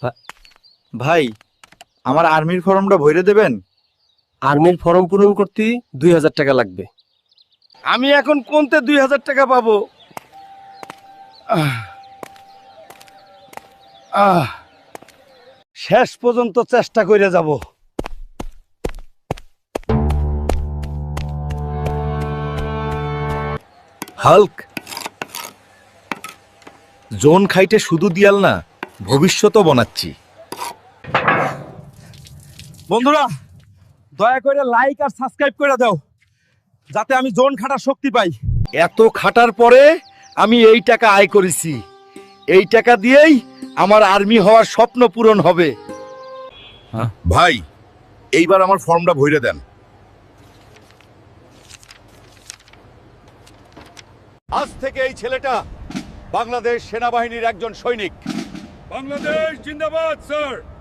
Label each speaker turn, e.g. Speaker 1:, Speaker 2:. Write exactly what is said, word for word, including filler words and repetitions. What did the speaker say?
Speaker 1: ভাই, আমার আর্মির ফর্মটা ভরে দেবেন?
Speaker 2: আর্মির ফর্ম পূরণ করতে দুই হাজার টাকা লাগবে।
Speaker 3: আমি এখন কোনতে দুই হাজার টাকা পাবো? আহ, আহ, শেষ পর্যন্ত চেষ্টা করে যাব।
Speaker 4: হাল্ক, জোন খাইতে শুধু দিয়াল না, ভবিষ্যতও বানাচ্ছি।
Speaker 3: বন্ধুরা, দয়া করে লাইক আর সাবস্ক্রাইব করে দাও, যাতে আমি জোন খাটার শক্তি পাই।
Speaker 4: এত খাটার পরে আমি এই টাকা আয় করেছি। এই টাকা দিয়েই আমার আর্মি হওয়ার স্বপ্ন পূরণ হবে।
Speaker 5: ভাই, এইবার আমার ফর্মটা ভরে দেন।
Speaker 4: আজ থেকে এই ছেলেটা বাংলাদেশ সেনাবাহিনীর একজন সৈনিক।
Speaker 5: বাংলাদেশ জিন্দাবাদ স্যার।